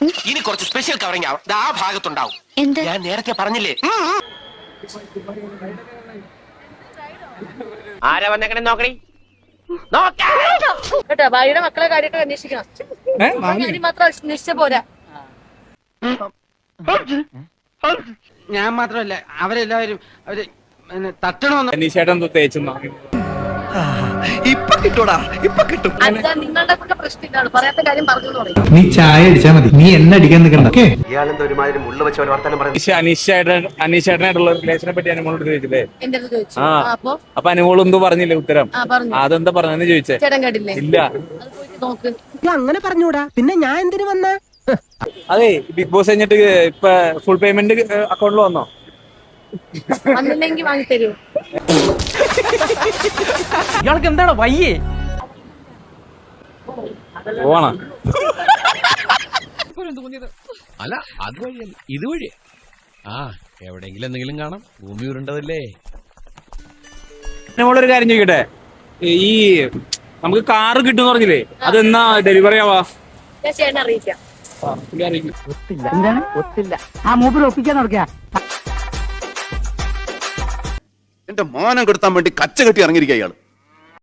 ഇനി കുറച്ച് special covering ആവും. ആ ഭാഗത്തുണ്ടാവും. എന്താ? ഞാൻ നേരത്തെ പറഞ്ഞില്ലേ. ആരാ വന്നേക്കണേ നോക്കണേ. കേട്ടോ, ഭാര്യയുടെ മക്കളെ കാര്യമൊക്കെ അന്വേഷിക്കണം. കാര്യം മാത്രം അന്വേഷിച്ച പോരാ. ഞാൻ മാത്രമല്ല, അവരെല്ലാവരും അവര് തട്ടണമെന്ന്. അനീഷേട്ടൻ തേച്ചു ഇപ്പൊ കിട്ടൂടാ, ഇപ്പൊ കിട്ടും. അല്ല, നിങ്ങളുടെ ഒക്കെ പ്രശ്നം ഇതാണ്, പറയാത്ത കാര്യം പറഞ്ഞു പറയും. നീ ചായ അടിച്ചാ മതി, നീ എന്നെ അടിക്കാൻ നിൽക്കണ്ട. ഇയാളെന്താ ഒരുമാതിരി മുള്ള വെച്ച പോലെ വർത്താനം പറയുന്നത്. അനീഷേട്ടനായിട്ടുള്ള റിലേഷനെ പറ്റി അനുമോളോട് ചോദിച്ചില്ലേ? എന്റെ അടുത്ത് ചോദിച്ചു. അപ്പൊ അനുമോൾ എന്തോ പറഞ്ഞില്ലേ ഉത്തരം? പറഞ്ഞു. അതെന്താ പറഞ്ഞെന്ന് ചോദിച്ചേ? ചേട്ടൻ കേട്ടില്ലേ? ഇല്ല. അത് പോയിട്ട് നോക്ക്. അങ്ങനെ പറഞ്ഞൂടാ, പിന്നെ ഞാൻ എന്തിനു വന്ന? അതെ, ബിഗ് ബോസ് കഴിഞ്ഞിട്ട് ഇപ്പൊ ഫുൾ പേയ്മെന്റ് അക്കൗണ്ടിൽ വന്നോ? വന്നില്ലെങ്കിൽ വാങ്ങിത്തരൂ. ഇയാൾക്ക് എന്താണ് വയ്യേ? പോവാണോ? അല്ല, അത് വഴിയല്ല, ഇത് വഴി. ആ, എവിടെയെങ്കിലും എന്തെങ്കിലും കാണാം. ഭൂമി ഉരുണ്ടതല്ലേ. അനുമോളൊരു കാര്യം ചോദിക്കട്ടെ, ഈ നമുക്ക് കാറ് കിട്ടും പറഞ്ഞില്ലേ, അതെന്നാ ഡെലിവറി ആവാ? ഞാൻ ചേട്ടനെ അറിയിക്കാം. ഒത്തില്ല. ആ മൂപ്പിൽ ഒപ്പിക്കാൻ നടക്കുക. എന്റെ മാനം കെടുത്താൻ വേണ്ടി കച്ച കെട്ടി ഇറങ്ങിയിരിക്കുക ഇയാള്.